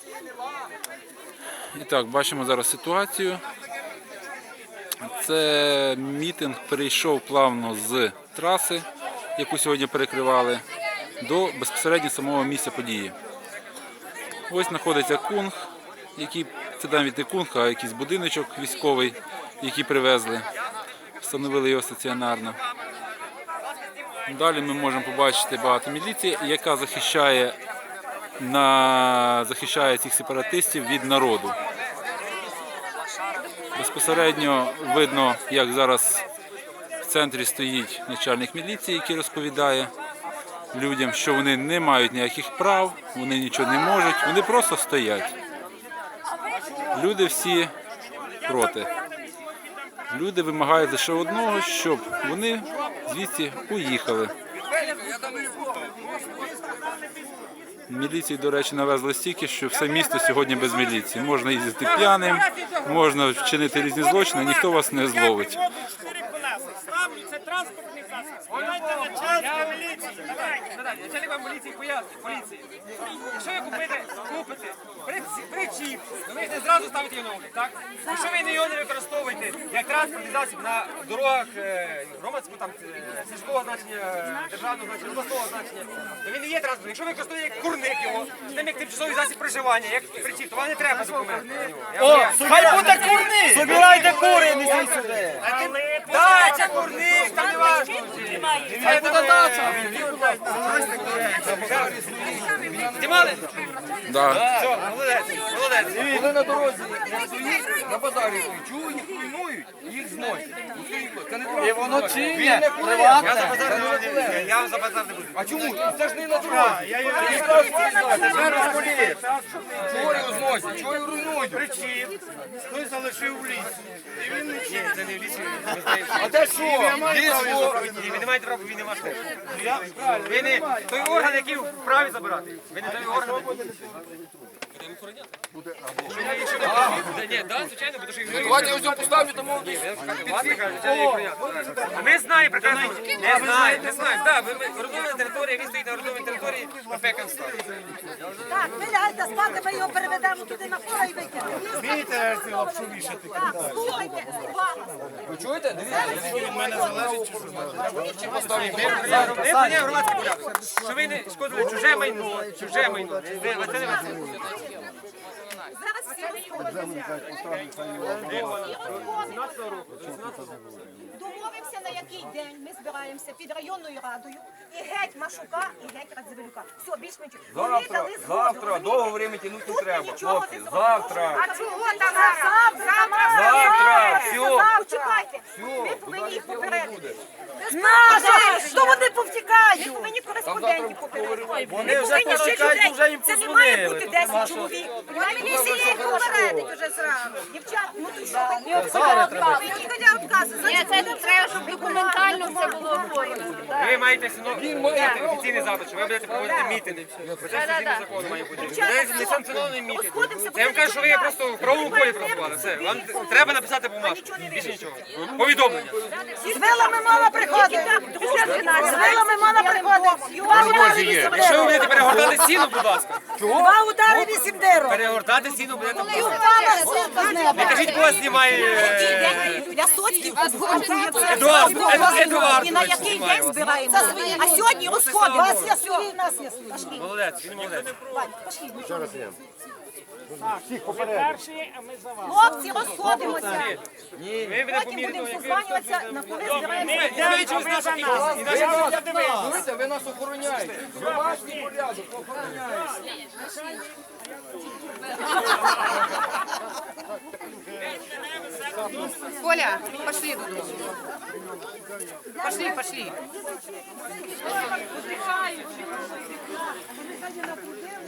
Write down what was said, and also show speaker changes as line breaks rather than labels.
І так, бачимо зараз ситуацію. Це мітинг перейшов плавно з траси, яку сьогодні перекривали, до безпосередньо самого місця події. Ось знаходиться кунг, який, це навіть не кунг, а якийсь будиночок військовий, який привезли, встановили його стаціонарно. Далі ми можемо побачити багато міліції, яка захищає цих сепаратистів від народу. Безпосередньо видно, як зараз в центрі стоїть начальник міліції, який розповідає людям, що вони не мають ніяких прав, вони нічого не можуть, вони просто стоять. Люди всі проти. Люди вимагають лише одного, щоб вони звідси уїхали. Міліції, до речі, навезли стільки, що все місто сьогодні без міліції. Можна їздити п'яним, можна вчинити різні злочини, ніхто вас не зловить.
Це транспортний засіб. Співайте начальника міліції. Начальник вам міліції пояснить, поліції. Якщо ви купите причіп, то ви ж не зразу ставите його на облік, так? Якщо ви його не використовуєте як транспортний засіб на дорогах громадського, там, сільського значення, державного значення, обласного значення, то він не є транспортним. Якщо ви використовуєте як курник його, з ним як тимчасовий засіб проживання, як причіп, то вам не треба документ.
Хай буде курник! Собирайте кури, несіть сюди!
Дача, курник, там не важливо.
Хай буде дача!
Знімали?
Да.
Все, молодець.
Коли на дорозі на базарі чують, їх руйнують, їх зносять. Це не
І воно чинне,
Я
приватне.
за базар не буду. Я за базар не буду.
А чому? Це ж не на дорозі. Чого його зносять? Чого його руйнують?
Хтось залишив в лісі. І він не чинить. Це не в лісі.
А де що? Ліс,
Ви не маєте права, він не ваш теж. Ви не той орган, який вправі забирати. Ви не той орган. Ні, так, звичайно, тому що
давайте я ось його поставлю, тому
ми знаємо прекрасно. Не знаємо. Так, орудована територія, він стоїть на орудованій території, ПП Констан.
Так, ви лягайте спати, ми його переведемо туди на поле і викинемо.
Вмієте цю лапшу вішати?
Так, слухайте, увага.
ви чуєте? Дивіться.
Не громадський порядок. Що ви не шкодили чуже майно. Чуже майно. Це не ви.
Зараз всі розходимося. Домовимося, на який день ми збираємося під районною радою і геть Машука, і геть Радзивилюка. Все, більш менше. Вони дали згоду.
Завтра, довго время тягнути не
Тут
треба,
нічого
хлопці.
не зробимо.
Завтра.
А чого там?
Завтра, все.
Почекайте, ми повинні їх попередити. Що вони повтікають? Ми повинні кореспондентів попередити.
Вони вже повтікають, вже їм
Це не має бути
подзвонили.
10 чоловік. Міліція їх попередить уже зразу. Дівчат, ну то що? Відходя відкази.
Ні, це треба, щоб документально все було оформлено.
Ви маєте дати офіційний запит, що ви будете проводити мітинги. Це офіційний закон має бути. Це несанкціонований мітинг. Це я вам кажу, що ви просто в правовому полі працювали. Все, вам треба написати бумажку. Більше нічого. Повідомлення.
З вилами мала приходити. З вилами мала приходити.
Якщо ви будете перегортати стіну, будь ласка.
Два удари 8 дирок.
Перегортати стіну будете.
Впала зірка з неба.
Не кажіть, кого знімає
Лясоцький обґрунтує це.
Едуард.
І на який день збираємося. А сьогодні розходимо. Вас я свій, нас я свій. Пошли.
Молодець, він молодець.
Пошли.
Перші, а ми за вас.
Хлопці, розходимося.
Ви мене
Потім будемо
поміряли.
созванюватися, на коли збираємося.
Дивіться, ви нас охороняєте. Домашній порядок, охороняєте.
Коля, пошли. Пошли.